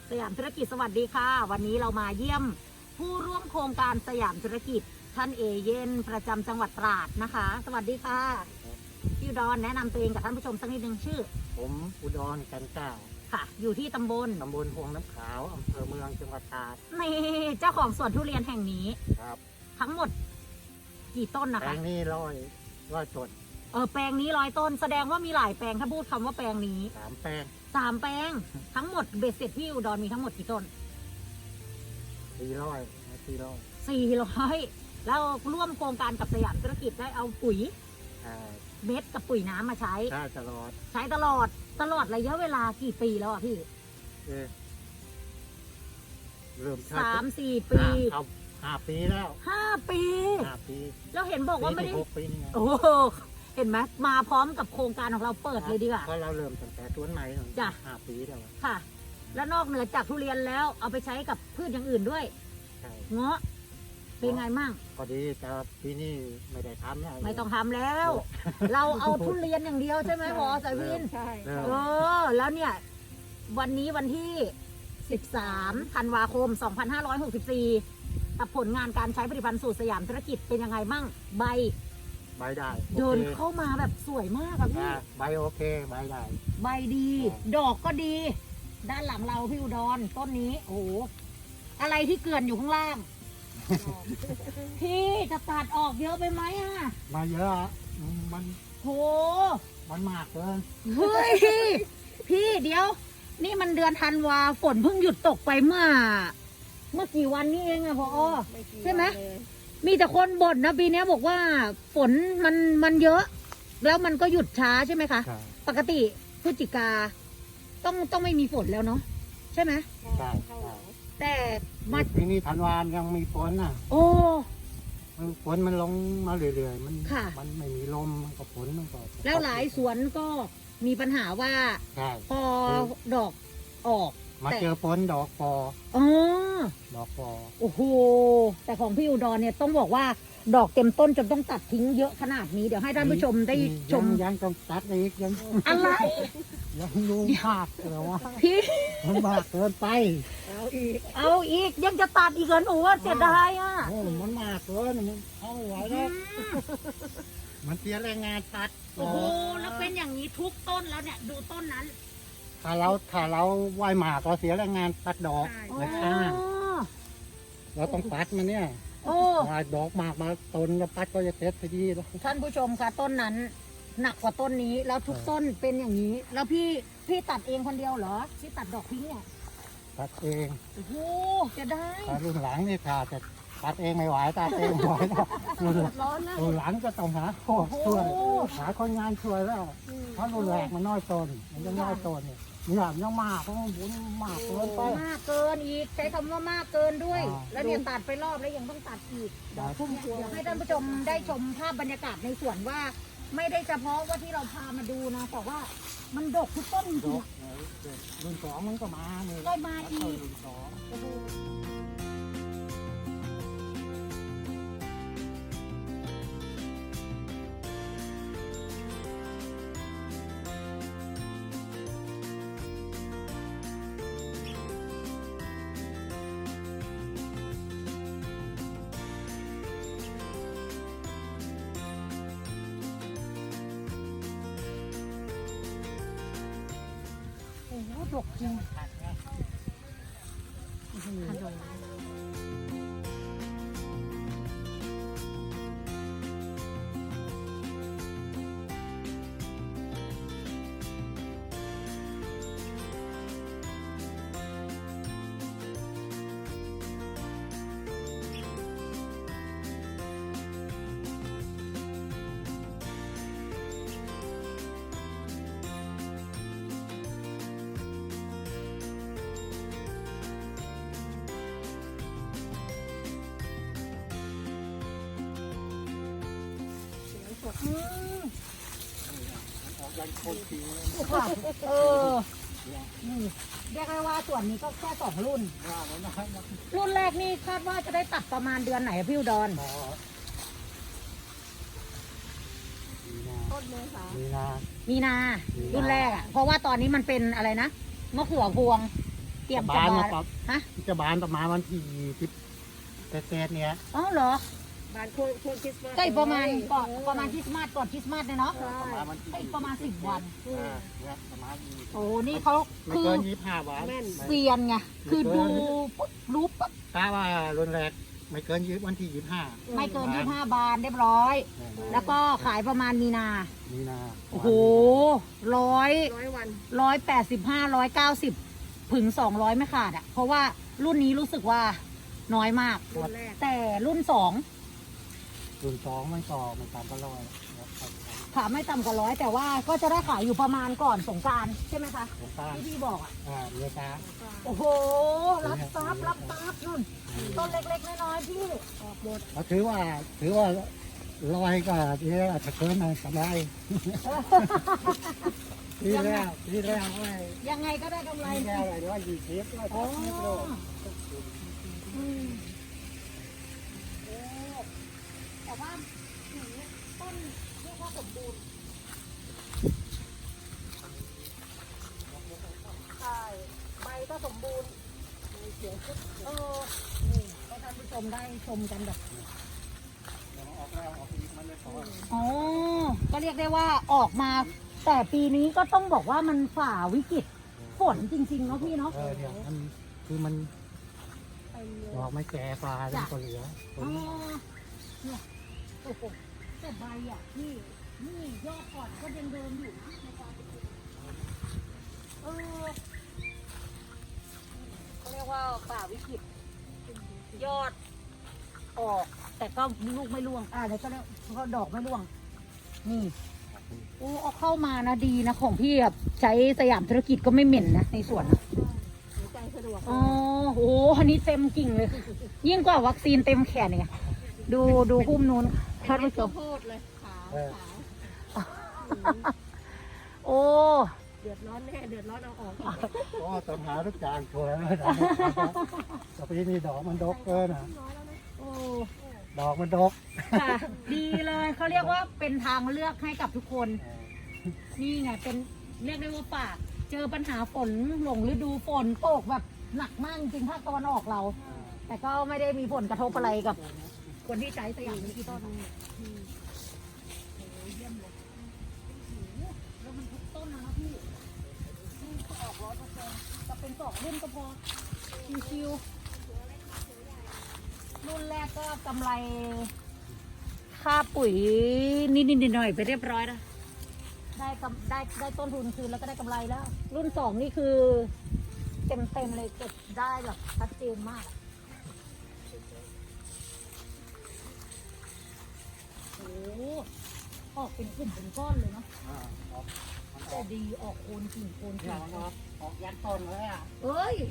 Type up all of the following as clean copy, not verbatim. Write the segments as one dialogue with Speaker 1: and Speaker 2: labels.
Speaker 1: สยามธุรกิจสวัสดีค่ะวันนี้เรามาเยี่ยมผู้ร่วมโครงการสยามธุรกิจท่านเอเย่นประจำจังหวัดตราดนะคะ สวัสดีค่ะพี่อุดรแนะนำตัวเองกับท่านผู้ชมสักนิดนึงชื่อ
Speaker 2: ผมอุดรกันเก้า
Speaker 1: ค่ะอยู่ที่ตำบล
Speaker 2: พวงน้ำขาวอำเภอเมืองจังหวัดตราด
Speaker 1: นี่เจ้าของสวนทุเรียนแห่งนี้
Speaker 2: ครับ
Speaker 1: ทั้งหมดกี่ต้นนะคะ
Speaker 2: แปลงนี้ร้อยต้น
Speaker 1: แปลงนี้100 ต้นแสดงว่ามีหลายแปลงถ้าพูดคำว่าแปลงนี้
Speaker 2: 3 แปลง
Speaker 1: 3 แปลงทั้งหมดเบ็ดเสร็จพี่อุดรมีทั้งหมดกี่ต้น400แล้วร่วมโครงการกับสยามธุรกิจได้เอาปุ๋ยเม็ดกับปุ๋ยน้ำมาใช้
Speaker 2: ตลอ
Speaker 1: ดระยะเวลากี่ปีแล้วอ่ะพี่
Speaker 2: เริ่ม
Speaker 1: 3-4 ปี
Speaker 2: 5 ปีแล้ว
Speaker 1: 5 ปีแล้วเห็นบอกว่าไม่ได้
Speaker 2: 6 ปีนี่ไง
Speaker 1: โอ้เห็นไหมมาพร้อมกับโครงการของเราเปิดเลยดีกว่า
Speaker 2: เพราะเราเริ่มตั้งแต่ต้นไม้
Speaker 1: จ้ะ
Speaker 2: 5 ปีแล้ว
Speaker 1: ค่ะแล้วนอกเหนือจากทุเรียนแล้วเอาไปใช้กับพืชอย่างอื่นด้วยเงาะเป็นไงมั่ง
Speaker 2: พอดีแต่ปีนี้ไม่ได้ทำแล้ว
Speaker 1: ไม่ต้องทำแล้ว เราเอาทุเรียนอย่างเดียวใช่ไหมหมอสายวิน
Speaker 3: ใช่
Speaker 1: แล้วเนี่ยวันนี้วันที่13 ธันวาคม 2564กับผลงานการใช้ผลิตภัณฑ์สูตรสยามธุรกิจเป็นยังไงมั่งใบ
Speaker 2: ได้
Speaker 1: เดินเข้ามาแบบสวยมากอะพี่
Speaker 2: ใบโอเคใบได้
Speaker 1: ใบดีดอกก็ดีด้านหลังเราพี่อุดรต้นนี้โอ้โหอะไรที่เกลื่อนอยู่ข้างล่างพี่จะตัดออกเยอะไปไหมอะ
Speaker 2: มาเยอะมัน
Speaker 1: โห
Speaker 2: มันมากเลย
Speaker 1: เฮ้ยพี่เดี๋ยวนี่มันเดือนธันวาฝนเพิ่งหยุดตกไปเมื่อกี่วันนี้เองอะพอใช่ไหมมีแต่คนบ่นนะปีนี้บอกว่าฝนมันเยอะแล้วมันก็หยุดช้าใช่ไหมคะปกติพฤศจิกาต้องไม่มีฝนแล้วเนาะใช่ไหม
Speaker 2: ใช่
Speaker 1: แต่มา
Speaker 2: ปีนี้ธันวายังมีฝนน่ะ
Speaker 1: โอ้
Speaker 2: ฝนมันลงมาเรื่อยๆมันไม่มีลมมันก็ฝนมันก็
Speaker 1: แล้วหลายสวนก็มีปัญหาว่าพอดอกออก
Speaker 2: มาเจอฝนดอกฟอดอกฟอ
Speaker 1: โอ้โหแต่ของพี่อุดรเนี่ยต้องบอกว่าดอกเต็มต้นจนต้องตัดทิ้งเยอะขนาดนี้เดี๋ยวให้ท่านผู้ชมได้ชม
Speaker 2: ยังต้องตัดอีกยัง
Speaker 1: อะไร
Speaker 2: ยังดูมากเลยวะ
Speaker 1: พี่
Speaker 2: มันมากเกินไป
Speaker 1: เอาอีกยังจะตัดอีกเหรอหนูว่าเสียดายอ่ะ
Speaker 2: มันมากเกินมันเอาไม่ไหวแล้วมันเสียแรงงานตัด
Speaker 1: โอ้โหแล้วเป็นอย่างนี้ทุกต้นแล้วเนี่ยดูต้นนั้น
Speaker 2: ถ้าเราไหวหมากเราเสียแรงงานตัดดอกนะคะเราต้องตัดมันเนี่ยดอกหมากมาต้นแล้วตัดก็จะเสร็จพอดีแล้ว
Speaker 1: ท่านผู้ชมคะต้นนั้นหนักกว่าต้นนี้แล้วทุกต้นเป็นอย่างนี้แล้วพี่ตัดเองคนเดียวเหรอที่ตัดดอกทิ้งเนี่ย
Speaker 2: ตัดเอง
Speaker 1: โอ้โหจะได้
Speaker 2: รุ่นหลังนี่ค่ะจะตัดเองไม่ไหวตัดเองไม่ไหวแล้วรุ่นหลังก็ต้องหาช่วยหาคนงานช่วยแล้วเพราะรุ่นแรกมันน้อยต้นมันยังน้อยต้นเนี่ยยังมากเพราะมันบุญมากเกินไป
Speaker 1: มากเกินอีกใช้คำว่ามากเกินด้วยแล้วเนี่ยตัดไปรอบแล้วยังต้องตัดอีกเดี๋ยวให้ท่านผู้ชมได้ชมภาพบรรยากาศในสวนว่าไม่ได้เฉพาะว่าที่เราพามาดูนะแต่ว่ามันดกทุกต้นจริง
Speaker 2: รุ่น 2มันก็มาเลย
Speaker 1: ก็มาอีก
Speaker 2: รุ่น 2
Speaker 1: ดกจริง
Speaker 2: ยังคงปี
Speaker 1: เรียกได้ว่าส่วนนี้ก็แค่2 รุ่นรุ่นแรกนี่คาดว่าจะได้ตัดประมาณเดือนไหนพี่อุดร
Speaker 3: ต้นเมษา
Speaker 1: มีนารุ่นแรกอ่ะเพราะว่าตอนนี้มันเป็นอะไรนะมะเขือพวงเตรียม
Speaker 2: บา
Speaker 1: จะ
Speaker 2: น
Speaker 1: บา
Speaker 2: นะ
Speaker 1: น
Speaker 2: ครับ
Speaker 1: ฮะ
Speaker 2: จะบานประมาณวันที่เศษๆเนี่ย
Speaker 1: อ๋อเหรอ
Speaker 3: บ้านช่วงคริสต์มาส
Speaker 1: ก็อีกประมาณก่อนประมาณคริสต์มาสก่อนคริสต์มาสเนี่ยเนาะ
Speaker 2: ประมาณวันที่
Speaker 1: ก็อีกประมาณ10 วัน
Speaker 2: เนี่ยประมาณนี้
Speaker 1: โอ้นี่เขา
Speaker 2: ไม่
Speaker 1: คือ
Speaker 2: เกิน25 วัน
Speaker 1: เซียนไงคือดูปุ๊บรู้ปุ๊บ
Speaker 2: กะว่ารุนแรงไม่เกินวันที่25
Speaker 1: ไม่เกิน25 บาทเรียบร้อย แล้วก็ขายประมาณมีนา
Speaker 2: มีนา
Speaker 1: โอ้โหร้อย
Speaker 3: 100 วัน
Speaker 1: 185 190ถึง200ไม่ขาดอ่ะ เพราะว่ารุ่นนี้รู้สึกว่าน้อยมาก
Speaker 3: รุ่นแรก
Speaker 1: แต่รุ่น
Speaker 2: รุ่น2มันก็ไม่ต่ำกว่า100ครับ
Speaker 1: 2ขาไม่ต่ำกว่าร้อยแต่ว่าก็จะได้ขายอยู่ประมาณก่อนสงกรานต์ใช่ไหมคะ
Speaker 2: ผมตั้ง
Speaker 1: ที่พี่บอกอ่ะ
Speaker 2: เรือจ้า
Speaker 1: โอ้โห รับทรัพย์รับทรัพย์นู่นต้นเล็กๆน้อยๆพี่
Speaker 3: ออกหมด
Speaker 2: เราถือว่าลอยก็ที่แรกจะเกินมากำไรที่แรกไว้
Speaker 1: ยังไงก็ได้กำไร
Speaker 2: ที่แรกอะไรว่า20ว่า
Speaker 1: โอ้
Speaker 2: 30โล
Speaker 1: อืมโอ้แต่ว่าหนูต้นเรียกว่าสมบูรณ์ใช่ใบก็สมบูรณ์เสียงคึกนี่ให้ท่านผู้ชมได้ชมกันแบบ
Speaker 2: ออกแล้วออกอีกมันเลยพอ
Speaker 1: อ๋อ ก็เรียกได้ว่าออกมา แต่ปีนี้ก็ต้องบอกว่ามันฝ่าวิกฤตฝนจริงๆเนาะพี่เนาะ
Speaker 2: เนี่ยมันคือมัน
Speaker 3: เต็มเลย
Speaker 2: ดอกไม่แก่ปลาเป็นตัวเหลือ
Speaker 1: อ๋อเนี่ยโอ้โหแต่ใบอ่ะนี่ยอดก่อนก็ยังเดินอยู่นะในความเป็นจริงเออเขาเรียกว่าฝ่าวิกฤตยอดออก แต่ก็ลูกไม่ร่วงแล้วก็เรียกเขาดอกไม่ร่วง นี่โอ้เอาเข้ามานะดีนะของพี่แบบใช้สยามธุรกิจก็ไม่เหม็นนะในสวนนะ
Speaker 3: หายใจสะดวก
Speaker 1: อ๋อโหอันนี้เต็มกิ่งเลย ยิ่งกว่าวัคซีนเต็มแขนเนี่ยดูหุ้มนู้นท่านผู้ช
Speaker 3: ข้าว
Speaker 1: ม
Speaker 3: โพดเลยขาวขาว
Speaker 1: โอ้
Speaker 3: เดือดร้อนแน่เดือดร้อนเอาออก
Speaker 2: ก็ต้องหาทุกจานชัวร์แล้วแต่ปีนี้ดอกมันดกเกินอ่ะ
Speaker 1: โอ้
Speaker 2: ดอกมันดก
Speaker 1: ค่ะ ดีเลยเขาเรียกว่าเป็นทางเลือกให้กับทุกคน นี่ไงเป็นเรียกได้ว่าป่าเจอปัญหาฝนหลงฤดูฝนตกแบบหนักมากจริงภาคตะวันออกเรา แต่ก็ไม่ได้มีผลกระทบอะไรกับ คนที่ใช้สยามธุรกิจต้นเยี่ยมเลยแล้วมันทุกต้นนะพี่นี่ก็ออก100%จะเป็น2รุ่นก็พอชิวๆรุ่นแรกก็กำไรค่าปุ๋ยนิดๆหน่อยๆไปเรียบร้อยแล้วได้ต้นทุนคืนแล้วก็ได้กำไรแล้ว รุ่น2นี่คือเต็มเลยเก็บได้แบบชัดเจนมาก โอ้ออกเป็นกลุ่มเป็นก้อนเลยเนาะแต่ดีออกโคนกิ่งโคน
Speaker 2: เนี่
Speaker 1: กิ่
Speaker 2: ย
Speaker 1: ง
Speaker 2: มันออกยันต้นเลยอ่ะ
Speaker 1: เอ้ย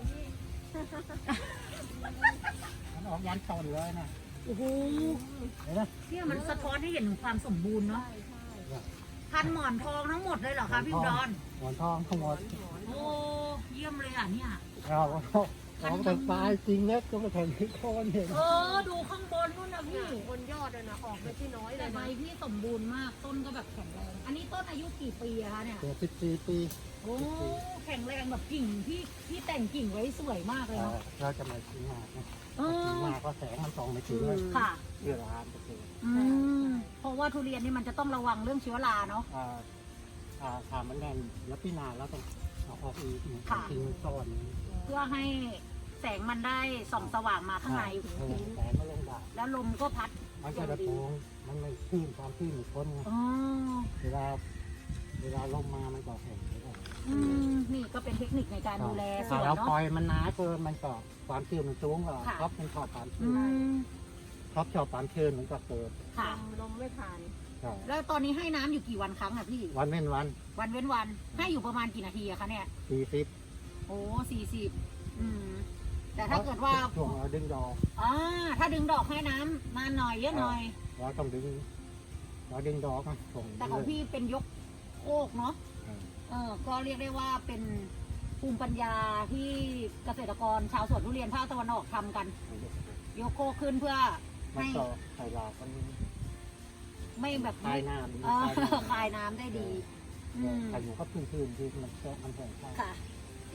Speaker 2: มันออกยันต้นเลยนะ
Speaker 1: โอ้โห
Speaker 2: เห็นไหม
Speaker 1: เนี่ยมันสะท้อนให้เห็นถึงความสมบูรณ์เนาะพันหมอนทองทั้งหมดเลยเหรอคะพี่อุดร
Speaker 2: หมอนทองทั้งหมด
Speaker 1: โอ้เยี่ยมเลยอ่ะเนี่ย
Speaker 2: เราแต่ปลายจริงเล็กก็ไม่ถึงที่โคนเห็น
Speaker 1: ดูข้างบนนู่นนะพี่
Speaker 3: บนยอดเลยนะออกไม่ที่น้อยเล
Speaker 1: แต่
Speaker 3: ย
Speaker 1: ใบ
Speaker 3: นะ
Speaker 1: พี่สมบูรณ์มากต้นก็แบบแข็งแรงอันนี้ต้นอายุกี่ปีอะคะเนี่ย
Speaker 2: เกิด14 ปี
Speaker 1: โอ้แข็งแรงแบบกิ่งพี่แต่งกิ่งไว้สวยมากเลยเนาะ
Speaker 2: เราจะไม่ทิ้งมากนะ
Speaker 1: เอ
Speaker 2: ทิ้ง
Speaker 1: อ
Speaker 2: มากก็แสงมันส่องไม่ถึงเลย
Speaker 1: ค่ะ
Speaker 2: เชื้อราจะเกิด
Speaker 1: เพราะว่าทุเรียนนี่มันจะต้องระวังเรื่องเชื้อราเนาะ
Speaker 2: ถามมันแน่นแล้วพี่นาแล้วต้องเอาออกอีก
Speaker 1: ค่ะ
Speaker 2: ทิ้งซ่อน
Speaker 1: เพื่อให้แสงมันได้ส่องสว่างมาข้างใน
Speaker 2: แสงมันลงได้
Speaker 1: แล้วลมก็พัด
Speaker 2: มันจะระโปงมันไม่ขึ้นความขึ้นมันพ้นไง
Speaker 1: อ๋อ
Speaker 2: เวลาลมมามันก็แข็งไม่ได้
Speaker 1: นี่ก็เป็นเทคนิคในการดูแลส
Speaker 2: ถ้า
Speaker 1: วน
Speaker 2: เราปล่
Speaker 1: เนาะ
Speaker 2: อยมันหนาเกินมันก็ความชื้นมันสูงก็
Speaker 1: ค่ะ
Speaker 2: ท็อปมันชอบความ
Speaker 1: อื
Speaker 2: ชื้น
Speaker 1: ม
Speaker 2: ท็อปชอบความชื้นมันก็เกิด
Speaker 1: ค่ะ
Speaker 3: ลมไม่ผ่าน
Speaker 2: ใช่
Speaker 1: แล้วตอนนี้ให้น้ำอยู่กี่วันครั้งอะพี่
Speaker 2: วันเว้นวัน
Speaker 1: วันเว้นวัน ให้อยู่ประมาณกี่นาทีอะคะเนี่ย
Speaker 2: 40
Speaker 1: โอ้40แต่ถ้าเกิดว่า
Speaker 2: ช่วงเราดึงดอก
Speaker 1: ถ้าดึงดอกให้น้ำนานหน่อยเยอะหน่อย
Speaker 2: เราต้องดึงดอกนะส่ง
Speaker 1: แต่ของพี่เป็นยกโคกเนาะ ก็เรียกได้ว่าเป็นภูมิปัญญาที่เกษตรกรชาวสวนทุเรียนภาคตะวันออกทำกัน ยกโคกขึ้นเพื่อ
Speaker 2: มัน
Speaker 1: ให้
Speaker 2: ก็ใส่หลากมัน
Speaker 1: ไม่แบบ
Speaker 2: คลายน้ำ
Speaker 1: คลายน้ำได้ดี
Speaker 2: ใครอยู่ก็พื้นที่มันแห้ง
Speaker 1: ค่ะ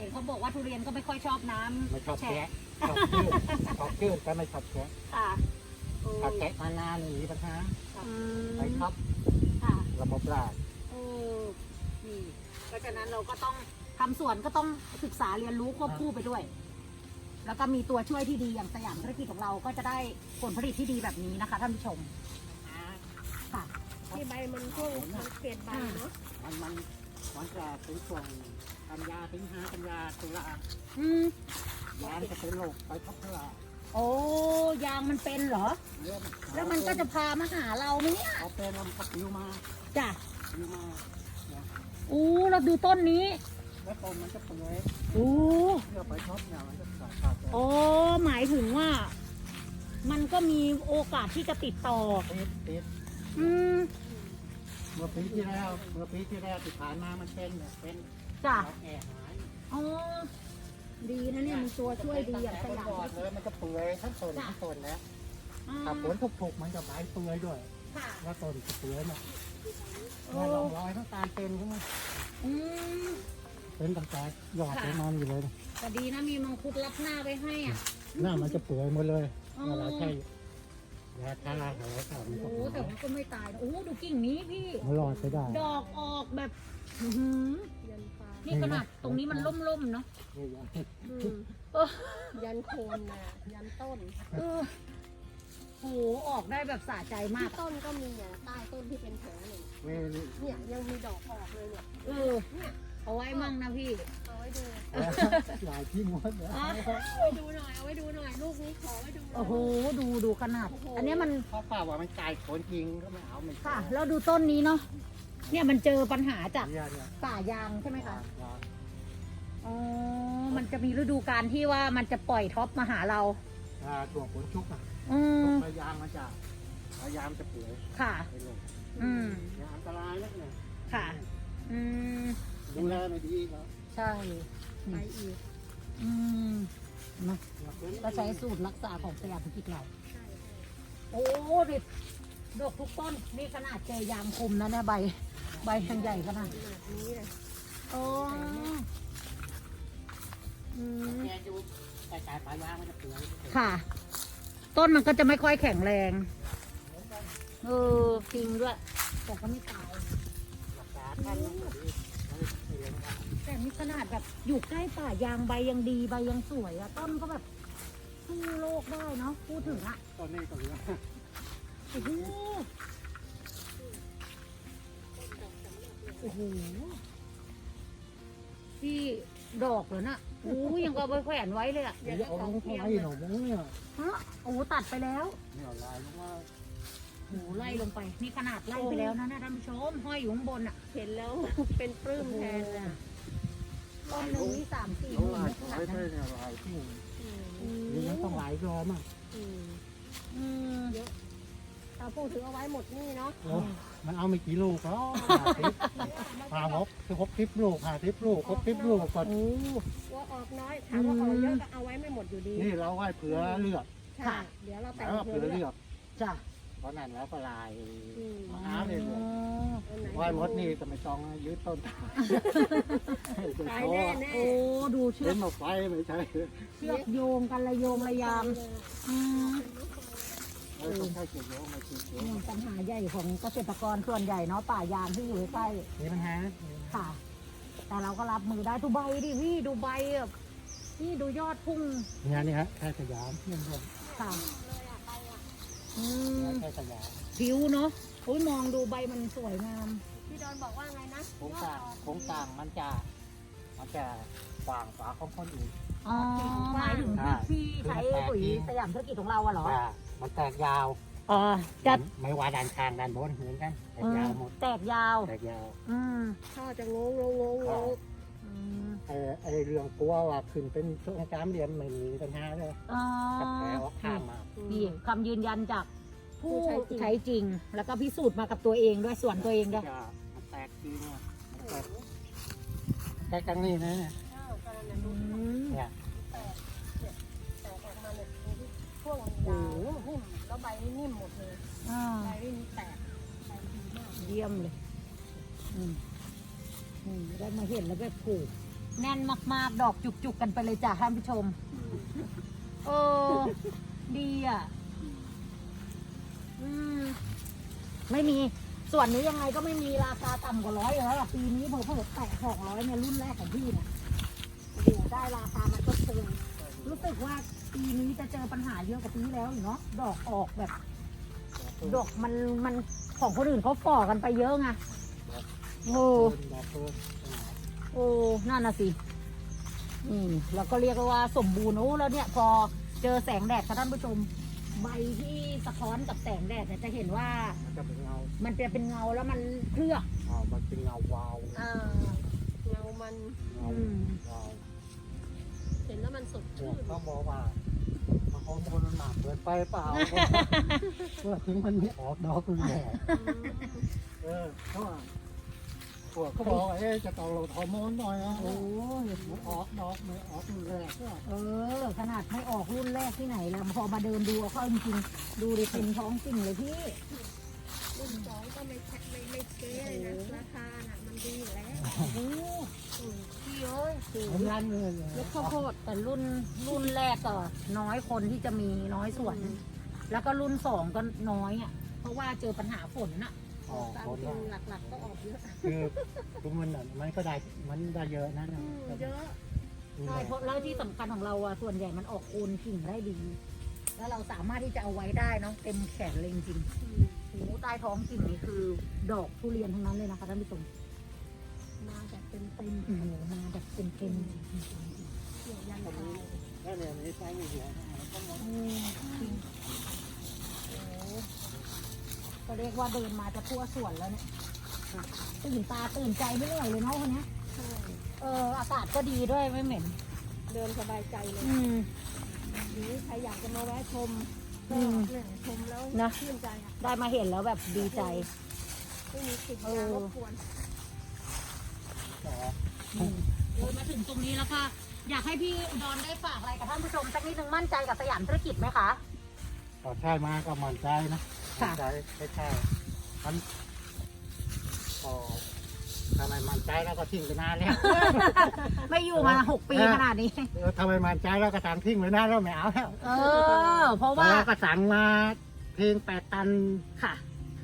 Speaker 1: ห็นเขาบอกว่าทุเรียนก็ไม่ค่อยชอบน้ำ
Speaker 2: ไม่ชอบแกะชอบจืดชอบจืดแต่ไม่ชอบแกะ
Speaker 1: ค่ะโอ้
Speaker 2: ถ้าแกะมานานนี่มีปัญหา
Speaker 1: อืม
Speaker 2: ไปท็อป
Speaker 1: ค่ะ
Speaker 2: ระบบราก
Speaker 1: โอ้นี่เพราะฉะนั้นเราก็ต้องทำสวนก็ต้องศึกษาเรียนรู้ควบคู่ไปด้วย แล้วก็มีตัวช่วยที่ดีอย่างสยามธุรกิจของเราก็จะได้ผลผลิตที่ดีแบบนี้นะคะท่านผู้ชมค่ะ
Speaker 3: ที่ใบมันช่วงมันเปลี่ยนใบเนาะ
Speaker 2: มันจะเป็นช่วงกันยาสิงหากันยาตุลา
Speaker 1: อืม
Speaker 2: ยางจะเป็นโรคไปท็อปเท่าไหร่
Speaker 1: โอ้ยางมันเป็นเหรอ แล้วมันก็จะพามาหาเราไหมเนี่ย
Speaker 2: พอเป็นแล้วมันก็ปลิวมา
Speaker 1: จ้ะ
Speaker 2: ปลิวมาเนี่ย
Speaker 1: อู้เราดูต้นนี้
Speaker 2: แล้วต้นมันจะเปื่อย
Speaker 1: อู้
Speaker 2: เพื่อไปท็อปเนี่ยมันจะขาด
Speaker 1: โอ้หมายถึงว่า มันก็มีโอกาสที่จะติดต่อ
Speaker 2: ติด
Speaker 1: อืม
Speaker 2: เมื่อปีที่แล้วที่ผ่านมามันเป็นเนี่ยเป็น
Speaker 1: จ้ะ
Speaker 2: เราแอบหาย
Speaker 1: อ๋อดีนะเนี่ยมีตัวช่วยดีอย่างสยาม
Speaker 2: ก่อนเลยมันจะเปื่อยทั้งต้นทั้งต้นแล้ว
Speaker 1: อ่า
Speaker 2: ถ้าฝนถูกๆมันจะใบเปื่อยด้วย
Speaker 1: ค่ะ
Speaker 2: ว่าต้นจะเปื่อยเนี่ย
Speaker 1: โอ้
Speaker 2: เนี่ยลองรอยทั้งตาลเป็นขึ้นมา
Speaker 1: อืม
Speaker 2: เป็นตั้งแต่ยอดเป็นมันอยู่เลยนะ
Speaker 1: แต่ดีนะมีมังคุดรับหน้าไว้ให้อ่ะ
Speaker 2: หน้ามันจะเปื่อยหมดเลย
Speaker 1: อ๋อ
Speaker 2: เวลาใช่ยาทาอะไรก็มันก็
Speaker 1: โอ้แต่มันก็ไม่ตายนะโอ้ดูกิ่งนี้พี่
Speaker 2: มันรอดไปได้
Speaker 1: ดอกออกแบบอื้อหือ
Speaker 3: ยันฟ้า
Speaker 1: นี่ขนาดตรงนี้มันล่มๆเนาะ
Speaker 2: นี่ยา
Speaker 3: อืม
Speaker 1: เออ
Speaker 3: ยันโคนน่ะยันต้น
Speaker 1: เออโหออกได้แบบสะใจมาก
Speaker 3: ที่ต้นก็มีอ่ะใต้ต้นที่เป็นแผลเนี่ย
Speaker 2: นี่
Speaker 3: เนี่ยยังมีดอกออกเลยเนี่ย
Speaker 1: เออเอาไว้มั่งนะพี่
Speaker 3: เอาไว้ดู
Speaker 2: หลายที่หมดเลย
Speaker 1: อ๋อ
Speaker 3: เอาไว้ดูหน่อยเอาไว้ดูหน่อยลูกนี้ขอไว้ดูหน่อย
Speaker 1: โอ้โหดูขนาด อันเนี้ยมัน
Speaker 2: เพราะป้าว่ามันกลายโคนจริงก็ไม่เอาไม่
Speaker 1: ค่ะ แล้วดูต้นนี้เนาะเนี่ยมันเจอปัญหาจาก
Speaker 2: เนี่ย
Speaker 1: ป่ายางใช่ไหมคะ
Speaker 2: ยา
Speaker 1: อ๋อมันจะมีฤดูกาลที่ว่ามันจะปล่อยท็อปมาหาเรา
Speaker 2: ตัวผลชุกอ่ะ
Speaker 1: อืม
Speaker 2: พยายามมันจะพยายามจะเปื่อย
Speaker 1: ค่ะ
Speaker 2: ไปลง
Speaker 1: อืม
Speaker 2: เนี่ยอันตรายแล้วเนี่ย
Speaker 1: ค่ะ อืม
Speaker 2: ดูแลไม่ดีแล้ว
Speaker 1: ใช่
Speaker 3: ไปอีก
Speaker 1: อืมเนอะก็ใช้สูตรรักษาของสยามธุรกิจเรา
Speaker 3: ใช่
Speaker 1: โอ้ดิดอกทุกต้น นี่ขนาดเจอยางคุมนะเนี่ยใบยังใหญ่ขนาด
Speaker 3: ขนาดนี้เลย
Speaker 1: โอ้อืม
Speaker 2: แกดูแต่กายปลายางมันจะเปื่อย
Speaker 1: ค่ะ ต้นมันก็จะไม่ค่อยแข็งแรง เออจริงด้วย แต่ก็ไม่ตาย
Speaker 2: รักษาท่านมันก็ดีไม่เลี้ยงได้
Speaker 1: แต่นี่ขนาดแบบอยู่ใกล้ป่ายางใบยังดีใบยังสวยอะต้นก็แบบสู้โลกได้เนาะพูดถึงอะ
Speaker 2: ตอนนี้ก็เหลือ
Speaker 1: โอ้โหโอ้โหที่ดอกเหรอน่ะโอ้ยยังก็เอาไปแขวนไว้เลยอะ
Speaker 2: เดี๋ยวเอาลงเข้าไปหนูมึงเนี่ย
Speaker 1: ฮะโอ้ตัดไปแล้ว
Speaker 2: เนี่ยลายลงมา
Speaker 1: โอ้โหไล่ลงไป นี่ขนาดไล่ไปแล้วนะท่านผู้ชมห้อยอยู่ข้างบนอะ
Speaker 3: เห็นแล้ว เป็นปลื้มแทนเลย
Speaker 1: ต้นหนึ่งนี่3-4
Speaker 2: เอา
Speaker 1: หมื่น
Speaker 2: ลาย
Speaker 1: ไม่ขนา
Speaker 2: ไว้
Speaker 1: ด
Speaker 2: ได้
Speaker 1: นั้น
Speaker 2: เนี่ยลายที่
Speaker 3: อืม
Speaker 2: นี่มันต้องหลายรอมาก
Speaker 3: อืม
Speaker 1: อืม
Speaker 3: ถ้าพูดถึงเอาไว้หมดนี่เนาะ
Speaker 2: โอ้มันเอาไม่กี่ลูกหรอก50 ลูก50 ลูกครบ10 ลูกก็
Speaker 1: โอ้
Speaker 3: ว่าออกน้อยถามว่าออกเยอะก็เอาไว้ไม่หมดอยู่ดี
Speaker 2: นี่เราไว้เผื่อเลือก
Speaker 3: ใช่เดี๋ยวเราแต่ง
Speaker 2: แล้ว
Speaker 3: เผื่
Speaker 2: เผื่
Speaker 3: อ
Speaker 2: อ
Speaker 3: เลื
Speaker 2: เลื
Speaker 3: อ
Speaker 2: อก ก
Speaker 1: จ้ะ
Speaker 2: เพราะนั้นแล้วก็ลาย
Speaker 3: อืม
Speaker 2: หาเลยเลย
Speaker 3: อันไหน
Speaker 2: ไว้หมดนี่ก็ไม่ต้องยืดต้นตาย
Speaker 3: ตายแน่แน่
Speaker 1: โอ้ดูเชื
Speaker 2: เล่
Speaker 1: อก
Speaker 2: นมาไฟไม่ใช่
Speaker 1: เชือกโยงกันระโยงระยามอืม
Speaker 2: ไม่ต้องใช้เกี่ยวโยงไม่ใช่เกี่ยว
Speaker 1: นี่ปัญหาใหญ่ของเกษตรกรส่วนใหญ่เนาะป่ายางที่อยู่ใกล้
Speaker 2: มีปัญหา
Speaker 1: ๆค่ะ แต่เราก็รับมือได้ดูใบดิพี่ดูใบแบบนี่ดูยอดพุ่ง
Speaker 2: เนี่ยนี่ฮะแค่สยามเพื่อนเพื่อน
Speaker 1: ค่ะอืม
Speaker 2: แค่สยาม
Speaker 1: ผิวเนาะโอ้ยมองดูใบมันสวยงาม
Speaker 3: พี่ดอนบอกว่าไงนะ
Speaker 2: โครงสร้างมันจะกว้างกว่าของคนอื่น
Speaker 1: อ๋อหมายถึงที่ใช้ปุ๋ยสยามธุรกิจของเราอะเหรอ
Speaker 2: มันแตกยาว
Speaker 1: อ๋อจะ
Speaker 2: ไม่ว่าด้านข้างด้านบนเหมือนกันแตกยาวหมด
Speaker 1: แตกยาว
Speaker 2: แตกยาว
Speaker 1: อืม
Speaker 3: พ่อจะงงงงงง
Speaker 1: อืม
Speaker 2: ไอ้เรื่องกลัวว่าขึ้นเป็นช่วงสามเหลี่ยมไม่มีปัญหาเลย
Speaker 1: อ๋อ
Speaker 2: กับแผลออกข้างมา
Speaker 1: นี่คำยืนยันจากผู้ใช้จริง แล้วก็พิสูจน์มากับตัวเองด้วยส่วนตัวเองด้วย
Speaker 2: มันแตกจริงอ่ะมันแตกแตกกันนี่นะเนี่ย
Speaker 1: อืม
Speaker 2: เนี่ย
Speaker 3: แตกออกมาเนี่ยช่วงยาวนิ่มแล้วใบนี่นิ่มหมดเลย
Speaker 1: อ่า
Speaker 3: ใบไม่มีแตกใบดีมาก
Speaker 1: เยี่ยมเลยอืมได้มาเห็นแล้วแบบผูกแน่นมากๆ ดอกจุกๆกันไปเลยจ้ะท่านผู้ชมเออดีอ่ะไม่มีส่วนนี้ยังไงก็ไม่มีราคาต่ำกว่า100อยู่แล้วล่ะปีนี้เพิ่มแตะ200เนี่ยรุ่นแรกของพี่เนี่ยโอ้โหได้ราคามันก็เชิงรู้สึกว่าปีนี้จะเจอปัญหาเยอะกว่าปีที่แล้วอยู่เนาะดอกออกแบบ ดอกมันของคนอื่นเขาฝ่อกันไปเยอะไงโอ้โอ้นั่นน่ะสิแล้วก็เรียกว่าสมบูรณ์โอ้แล้วเนี่ยพอเจอแสงแดดค่ะท่านผู้ชมใบที่สะท้อนกับแสงแดดเนี่ยจะเห็นว่ามันจะเป็นเงาแล้วมันเคลือบ
Speaker 2: มันเป็นเงาวาว
Speaker 3: เงามันเห็นแล้วมันสดชื่น
Speaker 2: เขาบอกว่าฮอร์โมนมันหนักเกินไปเปล่าเมื่อถึงมันไม่ออกดอกคือแดดเขาบอกจะต้องลดฮอร์โมนหน่อยนะโอ้ยมันออกดอกไม่ออกแรก
Speaker 1: ขนาดไม่ออกรุ่นแรกที่ไหนแล้วพอมาเดินดูเข้าจริงๆดูดิเป็นท้องจริงเลยพี่
Speaker 3: รุ่น2ก็ไม่เก๊เลยนะราคาน่ะมันดีอยู่แล้ว
Speaker 1: พี่เอ้ย
Speaker 2: ร้านเลย
Speaker 1: แล้วข้าวโพดแต่รุ่นแรกก็น้อยคนที่จะมีน้อยส่วนแล้วก็รุ่น2ก็น้อยอ่ะเพราะว่าเจอปัญหาฝนน่ะ
Speaker 3: ตามจริงหลักๆก็ออกเยอะ
Speaker 2: คือมันก็ได้เยอะนะ
Speaker 3: เยอะ
Speaker 1: ใช่เพราะแล้วที่สำคัญของเราส่วนใหญ่มันออกโคนกิ่งได้ดีแล้วเราสามารถที่จะเอาไว้ได้เนาะเต็มแขนเลยจริงโอ้ใต้ท้องกิ่งนี่คือดอกทุเรียนทั้งนั้นเลยนะคะท่านผู้ชม
Speaker 3: มาแบบเต็ม
Speaker 1: มาแบบเต็ม
Speaker 3: เกี่ยวยันตาย
Speaker 2: แล้วเนี่ยไม่ใช่ไม่เกี่ยว
Speaker 1: ก็เรียกว่าเดินมาจะทั่วสวนแล้วเนี่ยตื่นตาตื่นใจไม่เหนื่อยเลยเนาะคนนี้อากาศก็ดีด้วยไม่เหม็น
Speaker 3: เดินสบายใจเลยหรือใครอยากจะมาแวะชมก็ชมแล้วชื่นใจ
Speaker 1: ได้มาเห็นแล้วแบบดีใจ
Speaker 3: ไม่มีสิ่งรบกวน
Speaker 1: เดินมาถึงตรงนี้แล้วค่ะอยากให้พี่อุดรได้ฝากอะไรกับท่านผู้ชมสักนิดนึงมั่นใจกับสยามธุรกิจไหมคะ
Speaker 2: ใช่มาก็มั่นใจนะมั่นใจใช่มันทำไมมั่นใจแล้วก็ทิ้งไปนานแล้ว
Speaker 1: ไม่อยู่มา6 ปีขนาดนี้
Speaker 2: ทำไมมั่นใจแล้วก็สั่งทิ้งไปนานแล้วไม่เอาแล้ว
Speaker 1: เพราะว่า
Speaker 2: ก็สั่งมาเพียง8 ตัน
Speaker 1: ค่ะ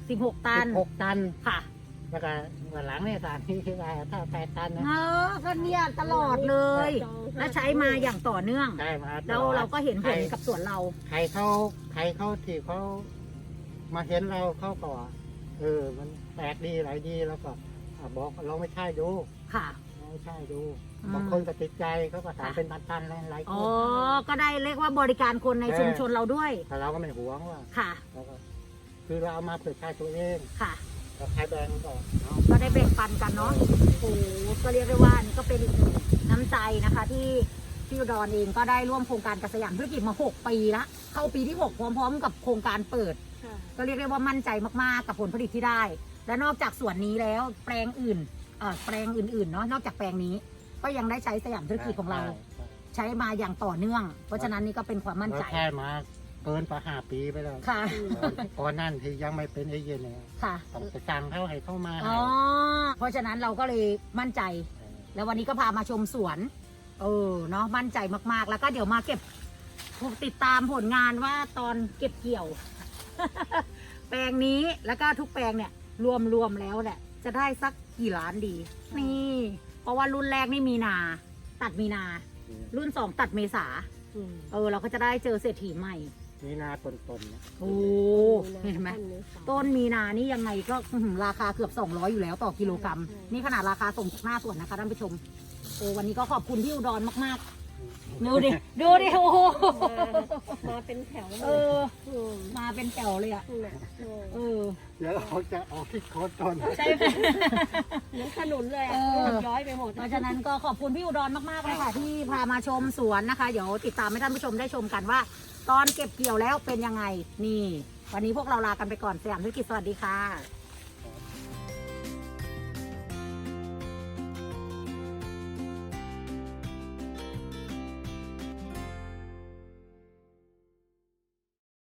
Speaker 1: 16 ตัน
Speaker 2: 16 ตัน
Speaker 1: ค่ะ
Speaker 2: แล้วก็วันหลังเนี่ยสั่งที่ได้ถ้า8 ตันนะ
Speaker 1: ก็เนี่ยตลอดเลยและใช้มาอย่างต่อเนื่องแล้วเราก็เห็นผลกับสวนเรา
Speaker 2: ใครเขาที่เขามาเห็นเราเขาก็มันแปลกดีหลายดีแล้วก็บอกเราไม่ใช่ดู
Speaker 1: ค่ะ
Speaker 2: ไม่ใช่ดูบางคนก็ติดใจเขาก็ถามเป็นตันๆหลายคน
Speaker 1: ก็ได้เรียกว่าบริการคนในชุมชนเราด้วย
Speaker 2: แต่เราก็ไม่หวงว่า
Speaker 1: ค่ะ
Speaker 2: คือเราเอามาเผื่อใช้ตัวเอง
Speaker 1: ค่ะ
Speaker 2: เราใช้แบ่ง
Speaker 1: ก็ได้แบ่งปันกันเนาะโอ้ก็เรียกได้ว่านี่ก็เป็นอีกหนึ่งน้ำใจนะคะที่พี่อุดรเองก็ได้ร่วมโครงการกับสยามธุรกิจมา6 ปีละเข้าปีที่6พร้อมๆกับโครงการเปิดก็เรียกได้ว่ามั่นใจมากๆกับผลผลิตที่ได้และนอกจากส่วนนี้แล้วแปลงอื่นเนาะนอกจากแปลงนี้ก็ยังได้ใช้สยามธุรกิจของเราใช้มาอย่างต่อเนื่องเพราะฉะนั้นนี่ก็เป็นความมั่นใจ
Speaker 2: ใช่มาเกินไป5 ปีไปแล้ว
Speaker 1: ค่ะ
Speaker 2: ก่อนนั่นที่ยังไม่เป็นเอเย่นเนี่ย
Speaker 1: ค่ะ
Speaker 2: ต้องไปสั่งเขาให้เข้ามา
Speaker 1: เพราะฉะนั้นเราก็เลยมั่นใจแล้ววันนี้ก็พามาชมสวนเนาะมั่นใจมากๆแล้วก็เดี๋ยวมาเก็บติดตามผลงานว่าตอนเก็บเกี่ยว แปลงนี้แล้วก็ทุกแปลงเนี่ยรวมแล้วแหละจะได้สักกี่ล้านดีนี่เพราะว่ารุ่นแรกนี่มีนาตัดมีนารุ่น2ตัดเมษาเราก็จะได้เจอเศรษฐีใหม่
Speaker 2: มีนาต้นนะ
Speaker 1: โอ้เห็นไหมต้นมีนานี่ยังไงก็ราคาเกือบ200อยู่แล้วต่อกิโลกรัมนี่ขนาดราคาส่งจากหน้าสวนนะคะท่านผู้ชมวันนี้ก็ขอบคุณพี่อุดรมากๆดูดิโอ้โห
Speaker 3: มาเป็นแถว
Speaker 1: มาเป็นแถวเลยอ่ะ
Speaker 2: เดี๋ยวเราจะออกที่โคตรต้น
Speaker 1: ใช่ไหม
Speaker 3: เหมือนขนุนเลยย้อยไปหมด
Speaker 1: เพราะฉะนั้นก็ขอบคุณพี่อุดรมากๆเลยค่ะที่พามาชมสวนนะคะเดี๋ยวติดตามให้ท่านผู้ชมได้ชมกันว่าตอนเก็บเกี่ยวแล้วเป็นยังไงนี่วันนี้พวกเราลากันไปก่อนสยามธุรกิจสวัสดีค่ะ